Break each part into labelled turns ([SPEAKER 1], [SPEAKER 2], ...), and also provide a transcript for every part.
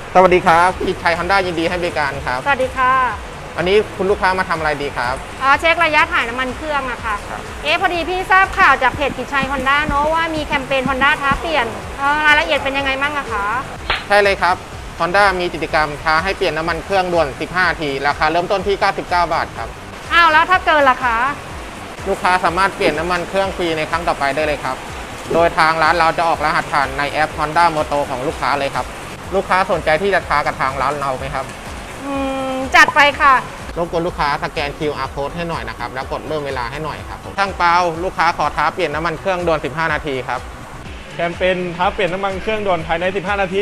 [SPEAKER 1] สวัสดีครับกิจชัย Honda ยินดีให้บริการครับ
[SPEAKER 2] สวัสดีค่ะ
[SPEAKER 1] วันนี้คุณลูกค้ามาทำอะไรดีครับ
[SPEAKER 2] เช็คระยะถ่ายน้ำมันเครื่องอะค่ะ
[SPEAKER 1] ครับ
[SPEAKER 2] พอดีพี่ทราบข่าวจากเพจกิจชัย Honda เนอะว่ามีแคมเปญ Honda ท้าเปลี่ยนรายละเอียดเป็นยังไงบ้างอะคะ
[SPEAKER 1] ใช่เลยครับ Honda มีกิจกรรมท้าให้เปลี่ยนน้ำมันเครื่องด่วน 15 นาทีราคาเริ่มต้นที่ 99 บาทครับ
[SPEAKER 2] อ้าวแล้วถ้าเกินล่ะคะ
[SPEAKER 1] ลูกค้าสามารถเปลี่ยนน้ำมันเครื่องฟรีในครั้งต่อไปได้เลยครับโดยทางร้านเราจะออกรหัสผ่านในแอป Honda Moto ของลูกค้าเลยครับลูกค้าสนใจที่จะท้ากับทางร้านเราไหมครับ
[SPEAKER 2] จัดไปค่ะ
[SPEAKER 1] รบกวนลูกค้าสแกน QR Code ให้หน่อยนะครับแล้วกดเริ่มเวลาให้หน่อยครับช่างเปาลูกค้าขอท้าเปลี่ยนน้ำมันเครื่องด่วน 15 นาทีครับ
[SPEAKER 3] แคมเปญท้าเปลี่ยนน้ำมันเครื่องด่วนภายใน 15 นาที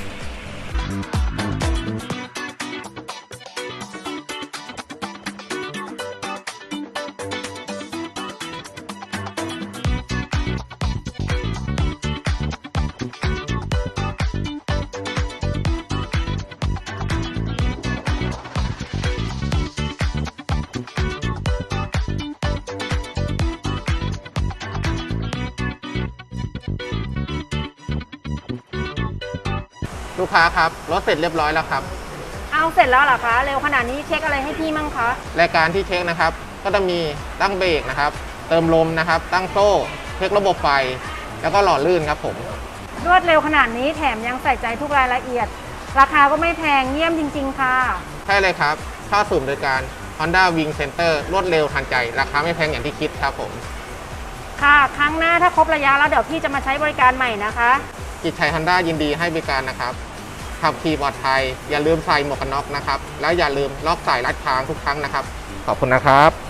[SPEAKER 1] ลูกค้าครับรถเสร็จเรียบร้อยแล้วครับ
[SPEAKER 2] เอาเสร็จแล้วเหรอคะเร็วขนาดนี้เช็คอะไรให้พี่มั่งคะ
[SPEAKER 1] รายการที่เช็คนะครับก็จะมีตั้งเบรกนะครับเติมลมนะครับตั้งโซ่เช็คระบบไฟแล้วก็หล่อลื่นครับผม
[SPEAKER 2] รวดเร็วขนาดนี้แถมยังใส่ใจทุกรายละเอียดราคาก็ไม่แพงเยี่ยมจริงๆค่ะ
[SPEAKER 1] ใช่เลยครับค่าศูนย์บริการ Honda Wing Center รวดเร็วทันใจราคาไม่แพงอย่างที่คิดครับผม
[SPEAKER 2] ค่ะครั้งหน้าถ้าครบระยะแล้วเดี๋ยวพี่จะมาใช้บริการใหม่นะคะ
[SPEAKER 1] กิจชัย Honda ยินดีให้บริการนะครับขับขี่ปลอดภัยอย่าลืมใส่หมวกกันน็อกนะครับแล้วอย่าลืมล็อกสายรัดทางทุกครั้งนะครับขอบคุณนะครับ